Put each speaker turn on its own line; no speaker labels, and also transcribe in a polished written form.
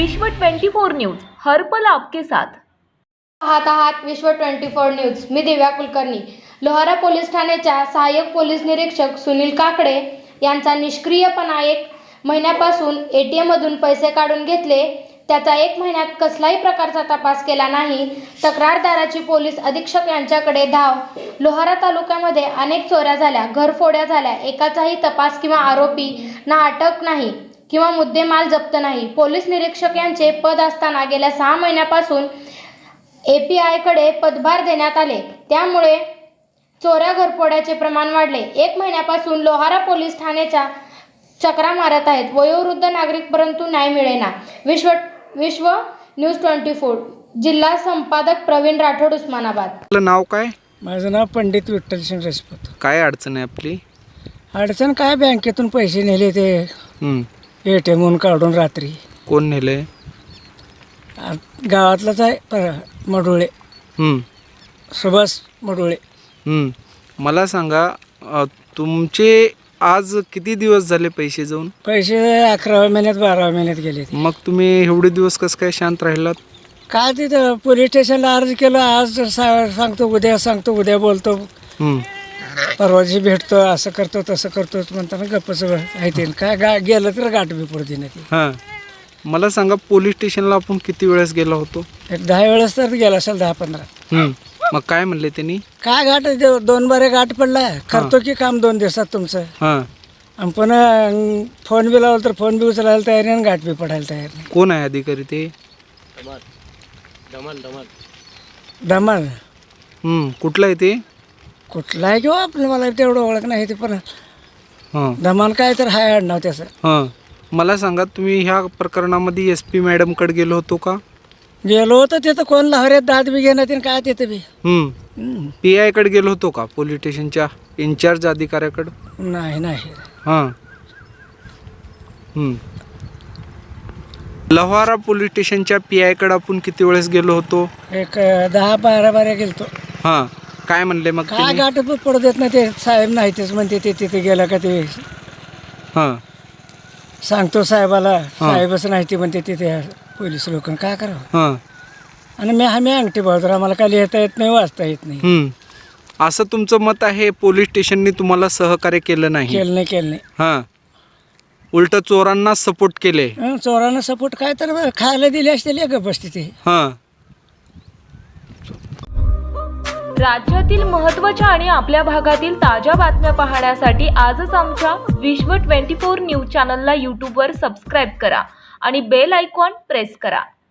विश्व 24 न्यूज हर पल आपके साथ।
पाहत आहात विश्व 24 न्यूज। मी दिव्या कुलकर्णी। लोहारा पोलीस ठाण्याच्या सहाय्यक पोलीस निरीक्षक सुनील काकडे यांचा निष्क्रियपणा 1 महिन्यापासून ATM मधून पैसे काढून घेतले, त्याचा 1 महिन्यात कसलाही प्रकारचा तपास केला नाही। तक्रारदाराची पोलीस अधीक्षक यांच्याकडे धाव। लोहारा तालुक्यामध्ये अनेक चोऱ्या झाल्या, घरफोड्या झाल्या, एकाचाही तपास किंवा आरोपी ना अटक नाही किंवा मुद्देमाल जप्त नाही। पोलीस निरीक्षक यांचे पद असताना गेल्या 6 महिन्यापासून API कडे पदभार देण्यात आले, त्यामुळे चोऱ्या घरफोड्याचे प्रमाण वाढले। 1 महिन्यापासून लोहारा पोलीस ठाण्याच्या चक्रा मारत आहेत वयोवृद्ध नागरिक, परंतु न्याय मिळेना। विश्व न्यूज 24 जिल्हा संपादक प्रवीण राठोड, उस्मानाबाद।
आपलं नाव काय?
माझं नाव पंडित विठ्ठल सिंग राजपूत।
काय अडचण आहे आपली?
अडचण काय, बँकेतून पैसे नेले ते ATMहून काढून रात्री।
कोण नेले?
गावातलाच आहे, मडुळे, सुभाष मडुळे।
मला सांगा, तुमचे आज किती दिवस झाले पैसे जाऊन?
पैसे 11व्या महिन्यात 12व्या महिन्यात गेले ते।
मग तुम्ही एवढे दिवस कसं काय शांत राहिलात?
काय तिथं पोलीस स्टेशनला अर्ज केलं, आज सांगतो, उद्या सांगतो, उद्या बोलतो, परवाची भेटतो, असं करतो तसं करतो म्हणताना गप्पच आहे ते। काय गेलं तर गाठ बी पडते ना ती।
हां, मला सांगा, पोलीस स्टेशनला आपण किती वेळेस गेला होतो?
एक 10 वेळेस तर गेला असेल, 10-15।
मग काय म्हणले त्यांनी?
काय गाठ, 2 बारे गाठ पडलाय, करतो की काम 2 दिवसात तुमचं।
हां,
आणि पुन्हा फोन बी लावला तर फोन बी उचलायला तयार नाही आणि गाठ बी पडायला तयार नाही।
कोण आहे अधिकारी ते?
धमाल
कुठलं आहे ते?
कुठला आहे किंवा आपलं, मला तेवढं ओळख नाही ते, पण
हां
धमाल काय तर हाय आडनाव त्याचं।
हां, मला सांगा, तुम्ही ह्या प्रकरणामध्ये SP मॅडमकडे गेलो होतो का?
गेलो होतो तिथं, कोण लावऱ्यात दाद बी घेण्यात येईल काय तिथं बी।
PI कडे गेलो होतो का? पोलीस स्टेशनच्या इन्चार्ज अधिकाऱ्याकडे?
नाही।
हां, लोहारा पोलीस स्टेशनच्या PI कडे आपण किती वेळेस गेलो होतो?
एक 10-12 बाऱ्या गेलतो।
हां, काय म्हणले मग
काय
त्यांनी?
गाठ बी पडू देत नाही ते साहेब, नाही तेच म्हणते ते तिथे गेलं का ते
हां
सांगतो साहेबाला, साहेबच नाही ते म्हणते तिथे पोलीस लोक, काय करावं।
हां,
आणि आम्ही अंगठी बहादूर, आम्हाला काय लिहिता येत नाही, वाचता येत नाही।
असं तुमचं मत आहे? पोलीस स्टेशनने तुम्हाला सहकार्य केलं नाही?
केलं नाही।
हां, उलट चोरांना सपोर्ट केले?
चोरांना सपोर्ट काय तर खायला दिले असतील एक बसते।
हां,
राज्यातील महत्त्वाच्या आणि आपल्या भागातील ताज्या बातम्या पाहण्यासाठी आजच आमच्या विश्व 24 न्यूज चॅनलला YouTubeवर सबस्क्राईब करा आणि बेल आयकॉन प्रेस करा।